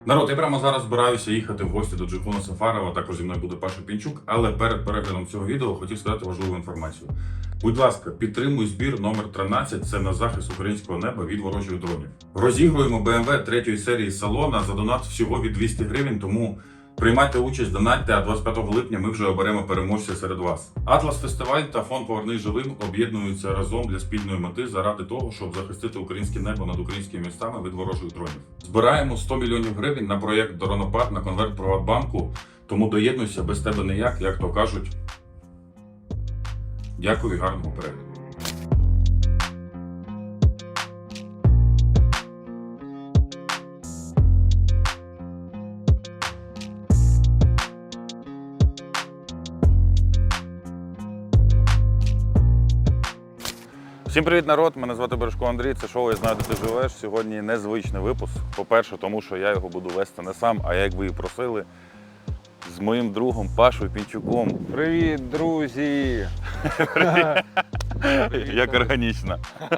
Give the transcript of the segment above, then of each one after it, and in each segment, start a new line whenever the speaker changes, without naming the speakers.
Народ, я прямо зараз збираюся їхати в гості до Джейхуна Сафарова, також зі мною буде Паша Пінчук, але перед переглядом цього відео хотів сказати важливу інформацію. Будь ласка, підтримуй збір номер 13, це на захист українського неба від ворожих дронів. Розігруємо BMW 3 серії салона за донат всього від 200 гривень, тому приймайте участь, донатьте, а 25 липня ми вже оберемо переможця серед вас. Атлас Фестиваль та фонд «Повернись живим» об'єднуються разом для спільної мети заради того, щоб захистити українське небо над українськими містами від ворожих дронів. Збираємо 100 мільйонів гривень на проєкт «Дронопад» на конверт Приватбанку, тому доєднуйся, без тебе ніяк, як то кажуть. Дякую і гарного перегляду. Всім привіт, народ! Мене звати Бережко Андрій, це шоу «Я знаю, де ти живеш». Сьогодні незвичний випуск. По-перше, тому що я його буду вести не сам, а як ви і просили, з моїм другом Пашою Пінчуком.
Привіт, друзі!
Як органічно.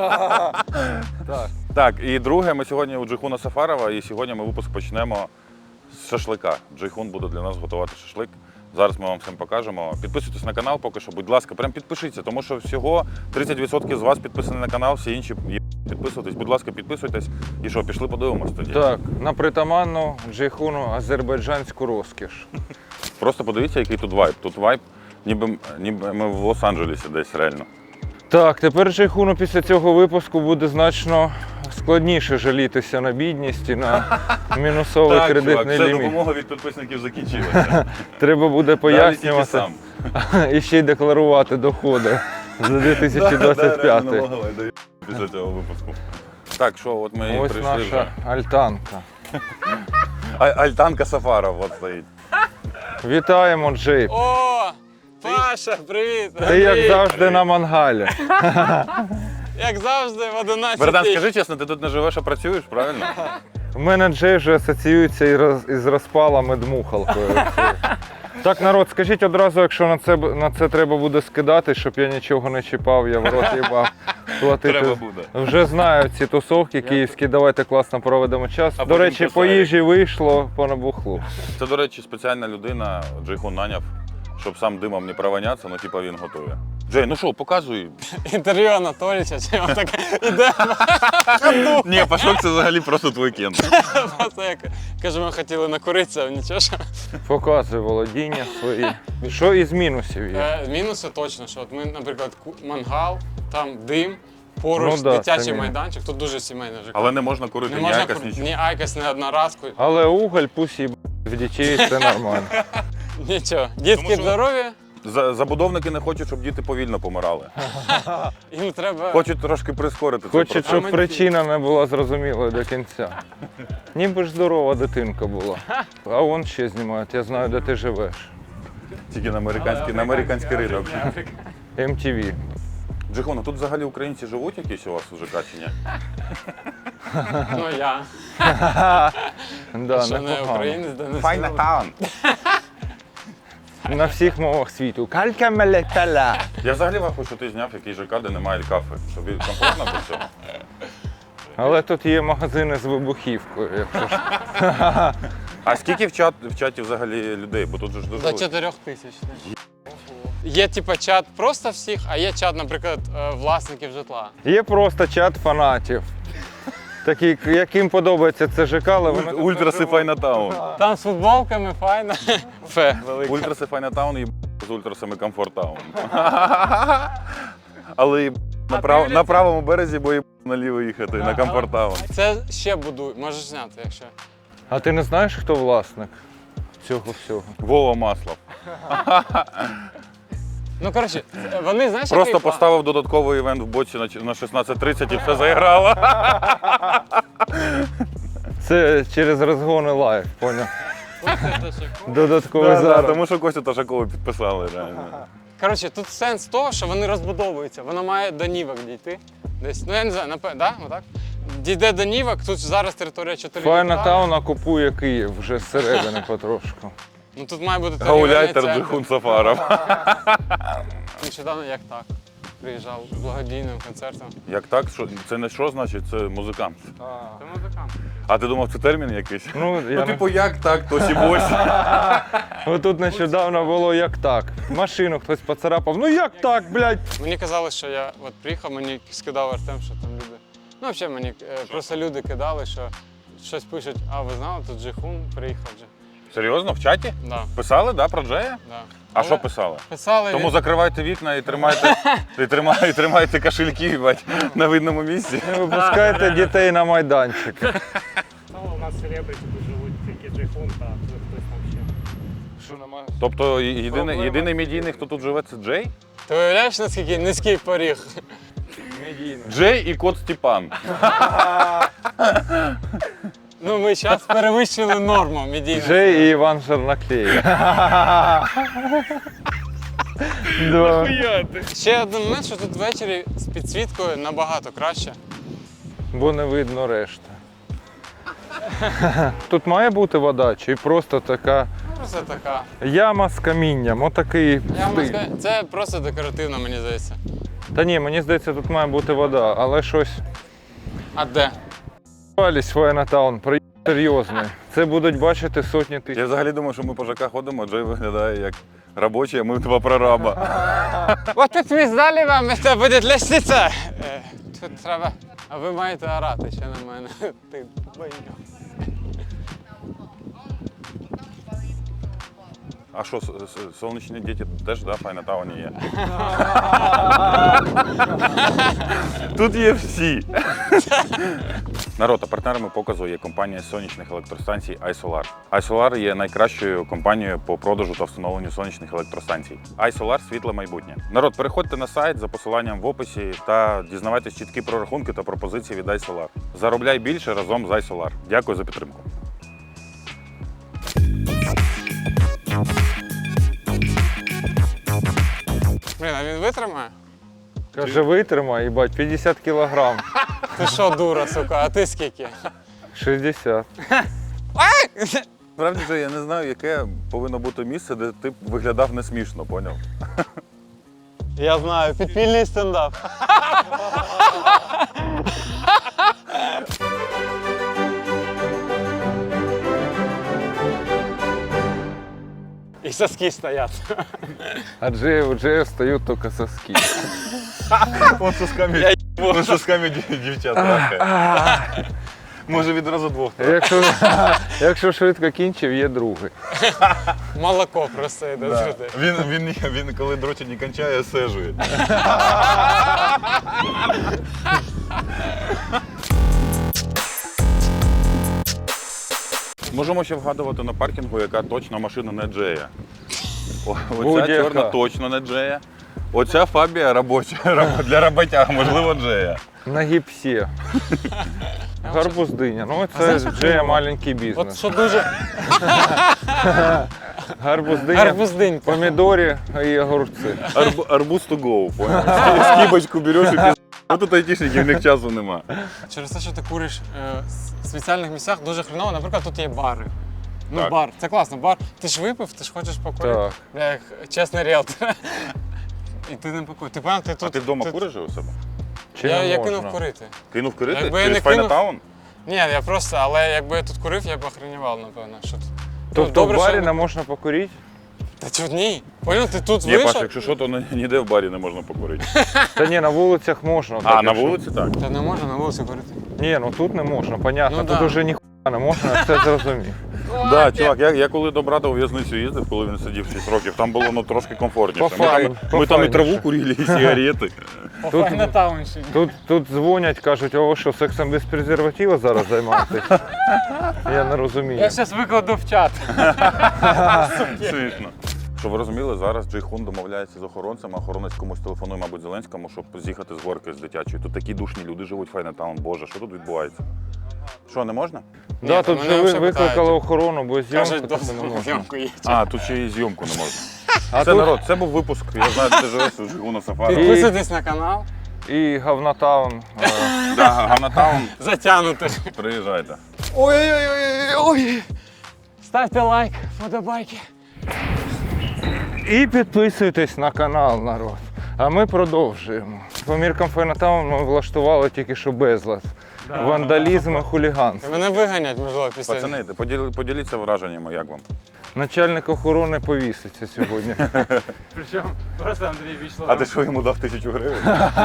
Так.
Так, і друге, ми сьогодні у Джейхуна Сафарова, і сьогодні ми випуск почнемо з шашлика. Джейхун буде для нас готувати шашлик. Зараз ми вам всім покажемо. Підписуйтесь на канал поки що, будь ласка, прям підпишіться, тому що всього 30% з вас підписані на канал, всі інші підписуйтесь. Будь ласка, підписуйтесь. І що, пішли подивимось тоді?
Так, на притаманну Джейхуну азербайджанську розкіш.
Просто подивіться, який тут вайб. Тут вайб, ніби ми в Лос-Анджелесі десь реально.
Так, тепер Джейхуну після цього випуску буде значно складніше жалітися на бідність і на мінусовий кредитний
все,
ліміт.
допомога від підписників закінчилася.
Треба буде пояснювати
сам.
і ще й декларувати доходи за 2025.
Після цього випуску. Так, що, от ми і
Ось
прийшли
наша
вже.
альтанка.
Альтанка Сафаров от стоїть.
Вітаємо, Джейп.
О, Паша, привіт!
Ти як завжди на мангалі.
Як завжди в 11.
Богдан, скажи чесно, ти тут не живеш, а працюєш, правильно?
У мене Джей вже асоціюється із розпалами дмухалкою. Так, народ, скажіть одразу, якщо на це треба буде скидати, щоб я нічого не чіпав, я в рот їбав платити.
Треба буде.
Вже знаю ці тусовки київські, давайте класно проведемо час.
А
До
потім
речі, по
косарик.
їжі вийшло по набухлу.
Це, до речі, спеціальна людина, Джейхун наняв, щоб сам димом не провонятися, ну типа він готує. Джей, ну що, показуй.
Інтерв'ю Анатолійовича, чи він так іде.
Ні, Пашок, це взагалі просто твій кент.
Просто як каже, ми хотіли накуритися, нічого. Що.
Показуй володіння свої. Що із мінусів є?
Мінуси точно, що от ми, наприклад, мангал, там дим, поруч
Ну да,
дитячий
це мінус.
майданчик, тут дуже сімейне житло.
Але не можна курити
не
ні
можна
айкос,
курити
нічого.
ні айкос, ні одноразку,
Але уголь пусть їб в дітей, це нормально.
нічого. Дітки
що-
здорові,
Забудовники не хочуть, щоб діти повільно помирали.
їм треба...
Хочуть трошки прискорити цей
Хочуть,
процес.
щоб причина не була зрозумілою до кінця. Ніби ж здорова дитинка була. А вон ще знімають, я знаю, де ти живеш.
Тільки на американський ринок.
MTV.
Джейхун, а тут взагалі українці живуть якісь у вас у ЖК чи ні?
Ну я.
Да,
Що не
непогано.
українець, де не
Файна
сила.
таун.
На всіх мовах світу. Калька мелеталя.
Я взагалі вахую, що ти зняв якийсь ЖК, де немає кафе. Тобі комфортно до цього?
Але тут є магазини з вибухівкою, якщо ж.
А скільки в чаті взагалі людей? Бо тут же ж дуже
До
велико.
4 тисяч. Є типа чат просто всіх, а є чат, наприклад, власників житла.
Є просто чат фанатів. Такі, яким подобається це ЖК, але вони тут
Ультраси
не
Файна таун.
Там з футболками файно. Фе. велике.
Ультраси Файна таун і з ультрасами Комфорт таун. Але і на правому березі, бо і наліво їхати, на Комфорт таун.
Це ще будують, можеш зняти, якщо.
А ти не знаєш, хто власник цього всього?
Вова Маслов.
Ну, коротше, вони, знаєш,
Просто
який план?
поставив додатковий івент в боці на 16:30 і все заіграло.
Це через розгони лайв, поняв? Додатковий
Да,
зараз.
тому що Костю Ташакову підписали реально.
Коротше, тут сенс того, що вони розбудовуються. Воно має до Нівок дійти. Десь, ну я не знаю, напевно, да? Отак? Дійде до Нівок, тут зараз територія 4
Файна
гектари.
Таун окупує Київ вже зсередини потрошку.
Ну тут має бути
Гауляйтер
торгівельний
Джейхун Сафаров.
Нещодавно як так. приїжджав благодійним концертом.
Як так? Це не що значить? Це музикант.
Це музикант.
А ти думав, це термін якийсь?
Ну, я
типу, як так, то сібось.
Отут нещодавно було як так. Машину хтось поцарапав. Ну як так, блядь?
Мені казали, що я от приїхав, мені скидав Артем, що там люди. Ну, взагалі мені просто люди кидали, що щось пишуть, а ви знали, тут Джейхун приїхав вже.
Серйозно, в чаті?
Да,
Писали, да, про Джея?
да.
А
Але
що писали?
Писали.
Тому закривайте вікна і тримайте кошельки, бать, на видному місці.
Не випускайте дітей на майданчик.
Ну, у нас селебрити тут живуть тільки Джейхун та хтось там ще.
Що немає?
Тобто єдиний медійний, хто тут живе, це Джей?
Ти уявляєш, наскільки низький поріг?
Джей і кот Степан.
Ну, ми зараз перевищили норму медійну.
Джей і Іван Жернаклей. Да.
Ще один момент, що тут ввечері з підсвіткою набагато краще.
Бо не видно решта. Тут має бути вода, чи просто така
Просто така.
яма з камінням, отакий
Я вам
стиль.
скажу, це просто декоративно, мені здається.
Та ні, мені здається, тут має бути вода, але щось.
А де?
Вались Файнатаун, проєкт серйозний. Це будуть бачити сотні
Я
тисяч.
взагалі думаю, що ми по ЖК ходимо, Джей виглядає як робочий, а ми два прораба.
От тут ми здали вам, це буде лестниця. Тут треба. А ви маєте орати ще на мене. Ти бойня.
А що, сонячні діти теж, да, в Файнатауні є? Тут є всі. Народ, а партнерами показу є компанія сонячних електростанцій iSolar. iSolar є найкращою компанією по продажу та встановленню сонячних електростанцій. iSolar – світле майбутнє. Народ, переходьте на сайт за посиланням в описі та дізнавайтесь чіткі прорахунки та пропозиції від iSolar. Заробляй більше разом з iSolar. Дякую за підтримку.
Блін, а він витримає?
Каже, витримай, їбать, 50 кілограм.
Ти що, дура, сука, а ти скільки?
60.
Справді же я не знаю, яке повинно бути місце, де ти б виглядав не смішно, поняв?
Я знаю, підпільний стендап. І соски стоять.
А у Джея встають тільки соски.
Он сосками дівчат трахає. Може відразу двох.
Якщо швидко кінчив, є другий.
Молоко просто йде з людей.
Він коли дрочить не кончає, сежує. Можемо ще вгадувати на паркінгу, яка точно машина не Джея. Оця
Будь-яка.
чорна точно не Джея. Оця Фабія робоча для роботяг, можливо, Джея.
На гіпсі. Гарбуздиня. Ну це Джея маленький
От
бізнес.
що дуже
Гарбуздиня,
гарбуздинька.
помідорі і огурці.
Арбуз to go, понял? Скибочку береш і піз... А тут айтішників, в них часу нема.
Через те, що ти куриш в спеціальних місцях, дуже хреново. Наприклад, тут є бари. Ну,
Так.
бар, це класно, бар. Ти ж випив, ти ж хочеш покурити.
Так.
Бля, як чесний ріелтор. І ти не покуриш. Ти певно, ти тут.
А ти вдома куриш же у себе?
Чи
Я,
не
я
можна?
кинув курити.
Кинув курити?
Якби я
Через
не кинув-
Файнатаун?
Ні, я просто, але якби я тут курив, я б охренівав, напевно. Що тут.
Тобто
Добре,
в барі
що-
не можна покурити?
Та чого ні? Поняв, ти тут
Ні,
вийшов?
Паша, якщо що, то ніде в барі не можна покурити.
Та ні, на вулицях можна.
А,
так,
на
якщо-
вулиці так.
Та не можна на вулиці курити.
Ні, ну тут не можна, понятно.
Ну,
Тут
да.
уже ніхуя не можна, я це зрозумів.
Да, чувак, я коли до брата у в'язницю їздив, коли він сидів 6 років, там було ну, трошки комфортніше. Ми там і траву курили, і сигарети.
По
Тут-
Файнатаунщині.
Тут дзвонять, кажуть, о, ви що, сексом без презерватива зараз займаєтесь? Я не розумію.
Я зараз викладу в чат.
Смішно. Щоб ви розуміли, зараз Джейхун домовляється з охоронцем, а охоронець комусь телефонує, мабуть, Зеленському, щоб з'їхати з горки з дитячої. Тут такі душні люди живуть, Файнатаун. Боже, що тут відбувається? Що, не можна?
Да,
Ні,
тут
мене
же ви
взагалі
викликали
питають.
охорону, бо зйомку
Кажуть,
тут не
дозвіл на
можна.
зйомку є.
А, тут ще і зйомку не можна.
А
Це
тут
народ, це був випуск. Я знаю, де ти живеш, у Джейхуна Сафара.
Підписуйтесь на канал.
і Говнотаун.
Да, Ганатаун,
Затягнути.
приїжджайте.
Ой-ой-ой. Ставте лайк, вподобайки.
І підписуйтесь на канал, народ. А ми продовжуємо. По міркам Файнатауну ми влаштували тільки що безлад. Вандалізм і хуліганство.
Мене виганять, можливо, після.
Пацани, поділіться враженнями, як вам?
Начальник охорони повіситься сьогодні.
Причем просто Андрей вийшло.
А ти що йому дав 1000 гривень?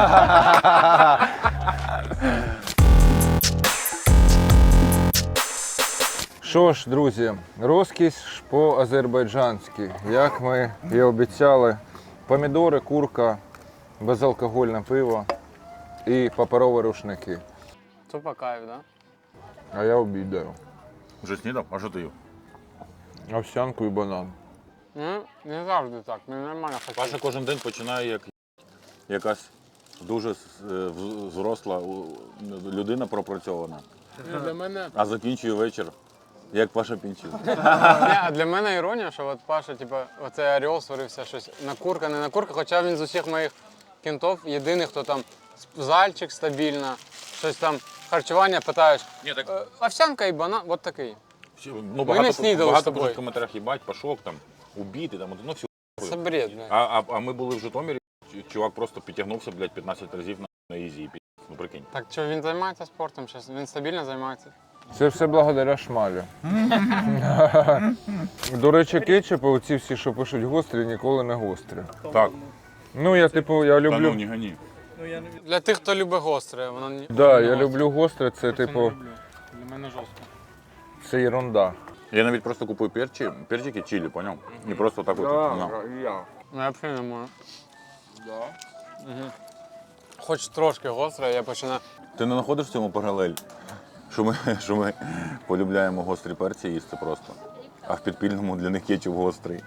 Що ж, друзі, розкіш по-азербайджанськи. Як ми і обіцяли, помідори, курка, безалкогольне пиво і паперові рушники.
Тупо кайф, да?
А я обідаю.
Вже снідав? А що ти їв?
Овсянку і банан.
Ну, не завжди так, мені нормально
Паша
хотіти.
кожен день починає як якась дуже зросла людина пропрацьована,
Для мене
а закінчує вечір як Паша Пінчук.
Ні, а для мене іронія, що от Паша, типу, оцей орел сварився, щось накурка, не накурка, хоча він з усіх моїх кінтов єдиний, хто там зальчик стабільно, щось там харчування питаєш.
Ні, так
Овсянка і банан, от такий.
ну,
Ми не снідали з
багато
тобою.
пишуть в коментарях, їбать, Пашок там, убіти, там, ну все.
Це бред, блядь.
А ми були в Житомирі, чувак просто підтягнувся, блядь, 15 разів на ізі, і пі***. Ну прикинь.
Так що він займається спортом зараз? Він стабільно займається?
Це все благодаря шмалю. До речі, кетчупи, оці всі, що пишуть гострі, ніколи не гострі.
Так,
Ну, я типу, я
та ну
люблю.
не гані.
Для тих, хто любить гостре, воно не.
Да, я люблю гостре, це типу,
Для мене жорстко.
це ерунда.
Я навіть просто купую перчики чилі, поняв? І просто так от. Ну.
я.
Ну, я взагалі не можу. Хоч трошки гостре, я починаю.
Ти не знаходиш в цьому паралель, що ми полюбляємо гострі перці їсти просто, а в підпільному для них кетчуп гострий.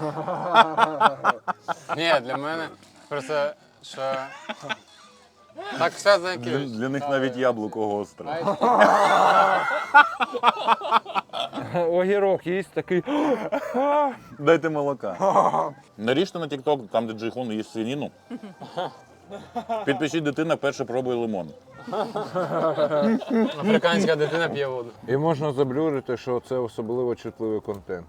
Ні, для мене просто, що... Так все за якийсь.
Для них навіть яблуко гостре.
Огірок їсть такий.
Дайте молока. Наріжте на TikTok, там де Джейхон їсть свинину. Підпишіть дитина, перше пробує лимон.
Африканська дитина п'є воду.
І можна заблюрити, що це особливо чутливий контент.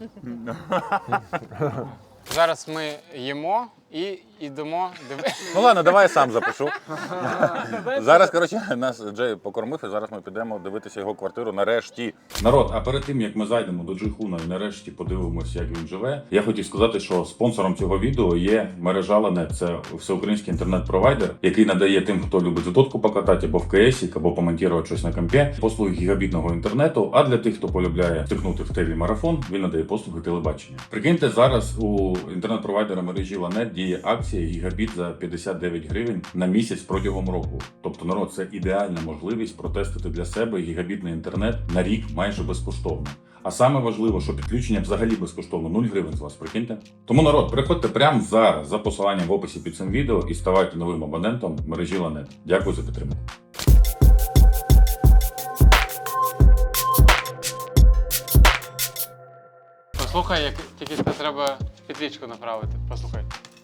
Зараз ми їмо і йдемо дивитися.
Ну ладно, давай я сам запишу. Зараз, коротше, нас Джей покормив, і зараз ми підемо дивитися його квартиру нарешті. Народ, а перед тим, як ми зайдемо до Джейхуна і нарешті подивимося, як він живе, я хотів сказати, що спонсором цього відео є мережа Ланет. Це всеукраїнський інтернет-провайдер, який надає тим, хто любить затотку покатати або в КСі, або помонтувати щось на компі, послуги гігабітного інтернету, а для тих, хто полюбляє втикнути в телемарафон, він надає послуги телебачення. Прикиньте, зараз у інтернет-провайдера мережі Ланет діє акція гігабіт за 59 гривень на місяць протягом року. Тобто, народ, це ідеальна можливість протестити для себе гігабітний інтернет на рік майже безкоштовно. А саме важливо, що підключення взагалі безкоштовно, 0 гривень з вас, прикиньте. Тому, народ, приходьте прямо зараз за посиланням в описі під цим відео і ставайте новим абонентом мережі Ланет. Дякую за підтримку.
Послухай, як тільки це треба підлічку направити. Послухай.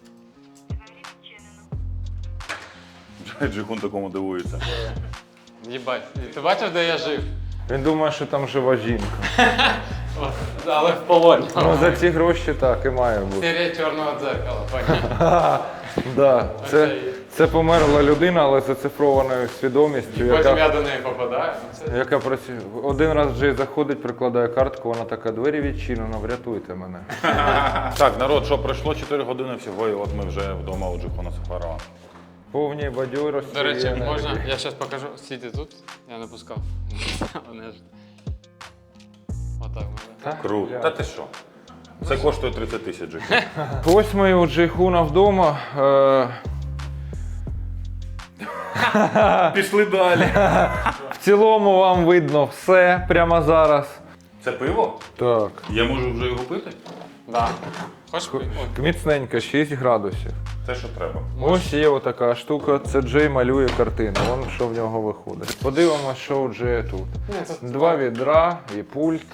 Джейхун такому дивується.
Їбать, ти бачив, де я жив?
Він думає, що там жива жінка.
Але в полоні.
Ну за ці гроші так і має бути.
Серія чорного дзеркала, понятно.
Да, це померла людина, але з зацифрованою свідомістю,
Потім я до неї попадаю. Це...
яка працює. Один раз Джей заходить, прикладає картку, вона така, двері відчинено, врятуйте мене.
Так, народ, що пройшло 4 години всього, і от ми вже вдома у Джейхона Сафарова.
Повній бадьорості.
До речі,
і енергії.
можна, я зараз покажу. Стійте тут, я не пускав. Вони ж... Отак можна.
Круто. Та ти що? Це коштує 30 тисяч Джейхун.
Ось ми у Джейхуна вдома.
Пішли далі.
В цілому вам видно все прямо зараз.
Це пиво?
Так.
Я можу вже його пити?
Да. Хочеш?
Міцненько, 6 градусів.
Те, що треба.
Ось є отака штука, це Джей малює картину, вон що в нього виходить. Подивимось, що у Джея тут. Два відра і пульт.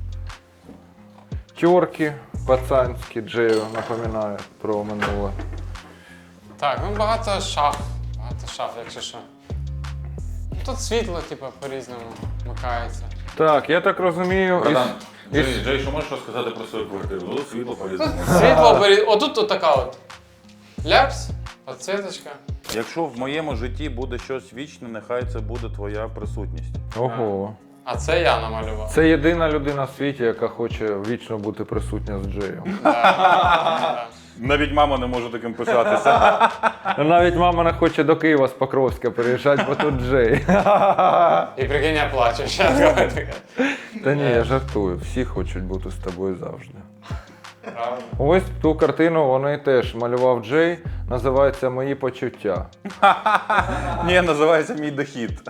Тьорки пацанські, Джею напоминає про минуле.
Так, ну багато шаф. Багато шаф, якщо що. Тут світло, типу, по-різному вмикається.
Так, я так розумію,
Братан,
із-
Джей, що можеш розказати про свою квартиру? Ну, світло полізно.
Світло, отут от така от. Ляпс, Подсвіточка.
Якщо в моєму житті буде щось вічне, нехай це буде твоя присутність.
Ого.
А це я намалював.
Це єдина людина в світі, яка хоче вічно бути присутня з Джеєм.
Да.
Навіть мама не може таким пишатися.
Навіть мама не хоче до Києва з Покровська переїжджати, бо тут Джей.
І прикинь, я плачу. Щас.
Та ні, я жартую. Всі хочуть бути з тобою завжди.
Правда.
Ось ту картину вони теж малював Джей, називається «Мої почуття».
Ні, називається мій дохід.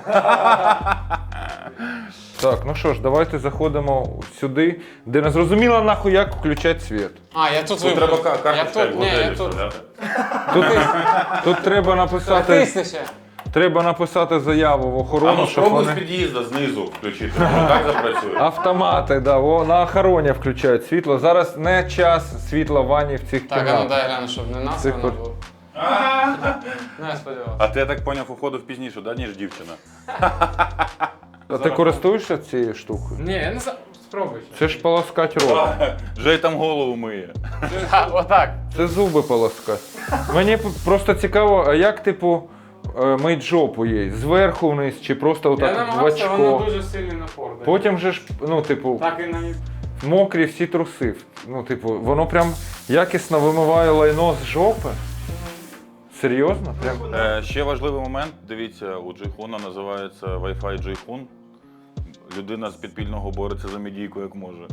Так, ну що ж, давайте заходимо сюди, де не зрозуміло нахуй, як включати світ.
А, я тут
Тут треба
вибрав. Я
карточка
тут, ні, я
моделі
тут.
вставляти.
Тут треба написати,
Натисни ще.
треба написати заяву в
А
охорону,
ну
щоб
спробуй з
вони...
під'їзду знизу включити. Може, так запрацює?
Автомати, да, на охороні включають світло. Зараз не час світла в ванні в цих
Так, а ну
кімнатах.
дай гляну, щоб не насрано
Цих
було. Ну, я сподівався.
А ти, я так поняв, уходив пізніше, да, ніж дівчина?
А ти користуєшся цією штукою?
Ні, я не знаю. Спробуй.
Це ж полоскать рот.
Жей там голову миє.
Отак.
Це зуби полоскать. Мені просто цікаво, а як, типу, мить жопу їй? Зверху вниз чи просто
Я
отак в
намагався, воно
очко?
дуже сильний напор дає.
Потім же ж, ну, типу,
Так і на
мокрі всі труси. Ну, типу, воно прям якісно вимиває лайно з жопи? Серйозно? Прям?
Ще важливий момент, дивіться, у Джейхуна називається Wi-Fi Джейхун. Людина з підпільного бореться за медійку, як може.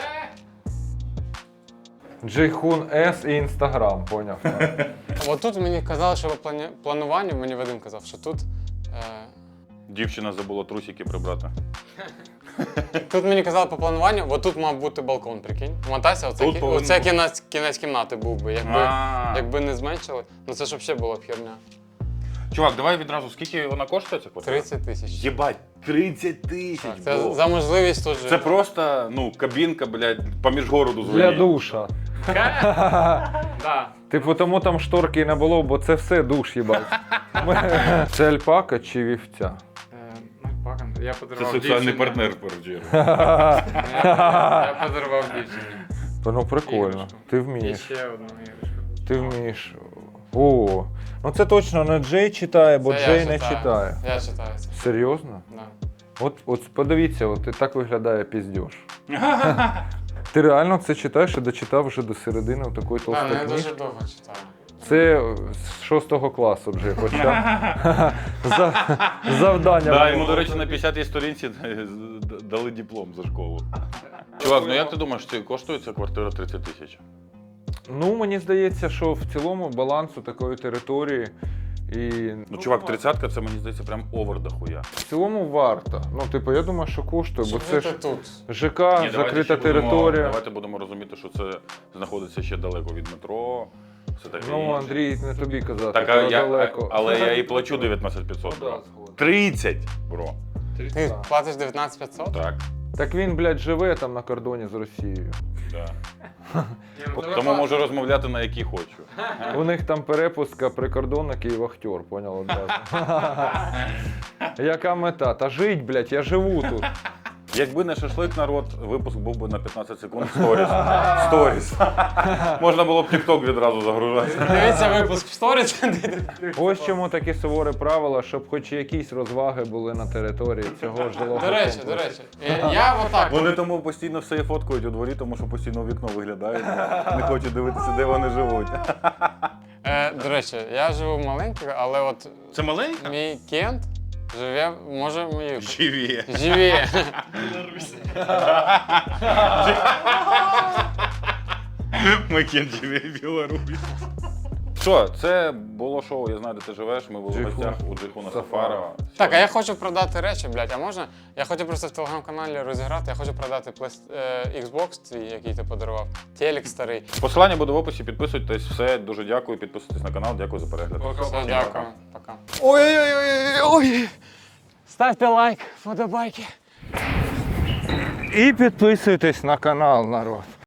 Джейхун С і Інстаграм, поняв.
От тут мені казали, що по плануванню, мені Вадим казав, що тут.
Дівчина забула трусики прибрати.
Тут мені казали по плануванню, от тут мав бути балкон, прикинь. Мотайся, оце,
Тут повинен
оце
бути.
кінець кімнати був би, якби не зменшили. Ну це ж взагалі була б херня.
Чувак, давай відразу, скільки вона коштує ця квартира?
30 тисяч.
Єбать, 30 тисяч,
Це
бро.
за можливість тут жити.
Це просто, ну, кабінка, блядь, поміж городу
Для
звонить.
душа.
Да.
Типу, тому там шторки і не було, бо це все душ, їбать. Це альпака чи вівця?
Я
Це
подарував
соціальний
дівчині.
партнер в першу чергу.
Я подарував дівчині.
Ну прикольно,
Іграшку.
ти
І
вмієш.
ще одну іграшку.
Ти вмієш. О, ну це точно не Джей читає, бо
Це я
Джей не
читаю.
читає.
Я читаю це.
Серйозно?
Да.
От подивіться, от і так виглядає піздьош. Ти реально це читаєш і дочитав вже до середини такої
Так, ну я
толстої
дуже
книжки?
довго читаю.
Це з 6 класу вже хоча. Завдання.
Да,
було.
йому, до речі, на 50-й сторінці дали диплом за школу. Чувак, ну як ти думаєш, це коштує ця квартира 30 тисяч?
Ну, мені здається, що в цілому балансу такої території і
Ну, чувак, 30-ка це, мені здається, прям овер дохуя.
в цілому варто. Ну, типу, я думаю, що коштує, бо
Щоб
це
жити
ж
тут.
ЖК,
Ні, давайте
закрита
ще будемо-
територія.
Давайте будемо розуміти, що це знаходиться ще далеко від метро. Все таке
Ну,
інше.
Андрій, не тобі казати,
Так,
то далеко.
але я і плачу 19 500, бро. 30, бро.
Ти платиш 19 500?
Так,
Так він, блядь, живе там на кордоні з Росією.
да. Тому можу розмовляти на які хочу.
У них там перепустка прикордонник і вахтер, поняв одразу. Яка мета? Та жить, блядь, я живу тут.
Якби не шашлик, народ, випуск був би на 15 секунд сторіс. Сторіс. Можна було б TikTok відразу загружати.
Дивіться випуск в сторіс.
Ось чому такі суворі правила, щоб хоч якісь розваги були на території цього жилого
До речі,
комплексу.
я отак.
Вони тому постійно все фоткають у дворі, тому що постійно в вікно виглядають. Не хочуть дивитися, де вони живуть.
До речі, я живу маленько, але от
Це маленька?
мій Кент живе, може, мої.
Живі.
Живе.
Макін живе в Білорусі. Що, це було шоу, я знаю, де ти живеш, ми були в
Джейхун
гостях у Джейхуна
Сафарова.
Сафарова.
Так, а я хочу продати речі, блядь, а можна? Я хочу просто в телеграм-каналі розіграти, я хочу продати Xbox твій, який ти подарував, телек старий.
Посилання буде в описі, підписуйтесь, все, дуже дякую, підписуйтесь на канал, дякую за перегляд.
Все, дякую. Пока. Ой-ой-ой! Ставте лайк, вподобайки.
І підписуйтесь на канал, народ.